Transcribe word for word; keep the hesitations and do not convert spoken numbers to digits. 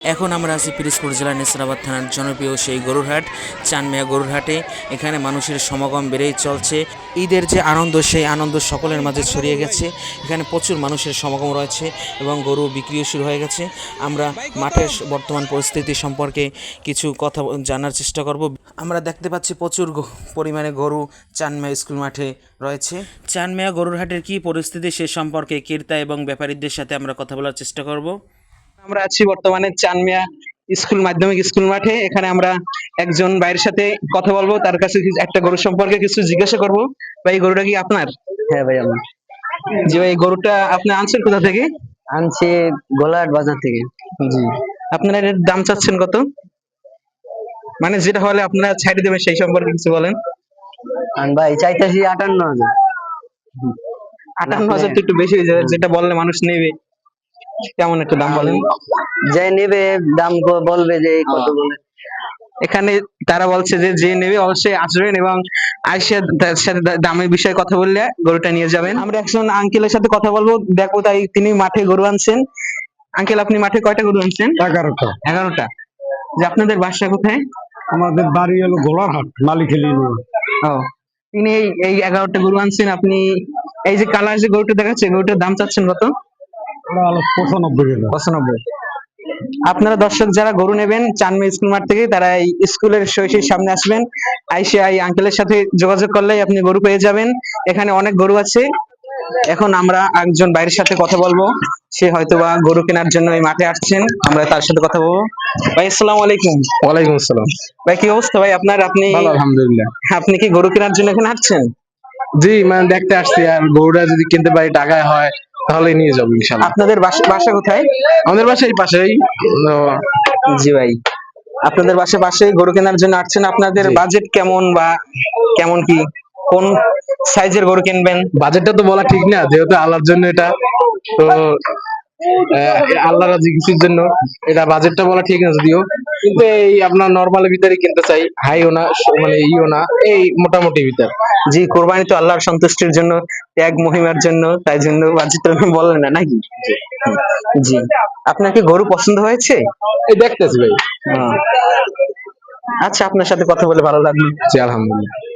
এখন আমরা আছি পিরোজপুর জেলার নেসরাবাদ থানার জনপ্রিয় সেই গরুরহাট চানমিয়া গরুরহাটে। এখানে মানুষের সমাগম বেড়েই চলছে। ঈদের যে আনন্দ, সেই আনন্দ সকলের মাঝে ছড়িয়ে গেছে। এখানে প্রচুর মানুষের সমাগম রয়েছে এবং গরু বিক্রিও শুরু হয়ে গেছে। আমরা মাঠের বর্তমান পরিস্থিতি সম্পর্কে কিছু কথা জানার চেষ্টা করব। আমরা দেখতে পাচ্ছি প্রচুর পরিমাণে গরু চানমিয়া স্কুল মাঠে রয়েছে। চানমিয়া গরুরহাটের কী পরিস্থিতি সে সম্পর্কে ক্রেতা এবং ব্যাপারীদের সাথে আমরা কথা বলার চেষ্টা করব। আমরা আছি বর্তমানে চানমিয়া স্কুল মাধ্যমিক স্কুল মাঠে। এখানে আমরা একজন ভাইয়ের সাথে কথা বলবো, তার কাছে একটা গরু সম্পর্কে কিছু জিজ্ঞাসা করব। ভাই, গরুটা কি আপনার? হ্যাঁ ভাই, আমি জি ভাই, গরুটা আপনি আনছেন কোথা থেকে? আনছি গোলাহাট বাজার থেকে। জি। আপনারা এর দাম চাচ্ছেন কত? মানে যেটা হলে আপনারা ছাড়িয়ে দেবেন সেই সম্পর্কে কিছু বলেন। আর ভাই চাইতেছি আটান্ন হাজার। আটান্ন হাজার তো একটু বেশি হয়ে যাবে, যেটা বললে মানুষ নেবে। কেমন একটা দাম বলেন। যে নেবে দাম ক- বলবে যে কত বলে। এখানে তারা বলছে যে যে নেবে অবশ্যই আসবেন এবং আইসা তার সাথে দা- দামের বিষয়ে কথা বললে গরুটা নিয়ে যাবেন। আমরা একজন আঙ্কেলের সাথে কথা বলবো, দেখো তাই তিনি মাঠে গরু আনছেন। আঙ্কেল, আপনি মাঠে কয়টা গরু আনছেন? এগারোটা। এগারোটা। যে আপনাদের বাসা কোথায়? আমাদের বাড়ি হলো গোলারহাট, মালিকেলি। ও, তিনি এই এই এগারোটা গরু আনছেন। আপনি এই যে কালার যে গরুটা দেখাচ্ছে, গরুটার দাম চাচ্ছেন কত? ওরা হলো পঁচানব্বই টাকা। পঁচানব্বই। আপনারা দর্শক যারা গরু নেবেন চানমিয়া স্কুল মাঠ থেকে, তারা এই স্কুলের সহিসের সামনে আসবেন। আইসে এই আঙ্কেলের সাথে যোগাযোগ করলেই আপনি গরু পেয়ে যাবেন। এখানে অনেক গরু আছে। এখন আমরা একজন বাইরের সাথে কথা বলবো, সে হয়তোবা গরু কেনার জন্য এই মাঠে আসছেন। আমরা তার সাথে কথা বলবো। ভাই, আসসালামু আলাইকুম। ওয়ালাইকুম আসসালাম। ভাই, কি অবস্থা ভাই আপনার? আপনি ভালো, আলহামদুলিল্লাহ। আপনি কি গরু কেনার জন্য এখানে আসছেন? জি, মানে দেখতে আসছি, আর গরুটা যদি কিনতে পারি টাকায় হয় তাহলে নিয়ে যাবো ইনশাল্লাহ। আপনাদের বাসা বাসা কোথায়? আমাদের বাসা এই পাশেই। তো জি ভাই, আপনাদের বাসা পাশে গরু কেনার জন্য আসছেন। আপনাদের জি। বাজেট কেমন, বা কেমন কি কোন সাইজের গরু কিনবেন? বাজেটটা তো বলা ঠিক না, যেহেতু আল্লাহর জন্য এটা, তো আহ, আল্লাহ রাজি কিছুর জন্য এটা বাজেটটা বলা ঠিক না যদিও, কিন্তু এই আপনার নর্মালের ভিতরে কিনতে চাই, হাইও না মানে ইও না, এই মোটামুটি ভিতর। জি, কোরবানি তো আল্লাহর সন্তুষ্টির জন্য, ত্যাগ মহিমার জন্য, তাই জন্য বাজেট বলেন না নাকি? জি। আপনার কি গরু পছন্দ হয়েছে? এই দেখতেছি ভাই। আহ, আচ্ছা, আপনার সাথে কথা বলে ভালো লাগলো। জি, আলহামদুলিল্লাহ।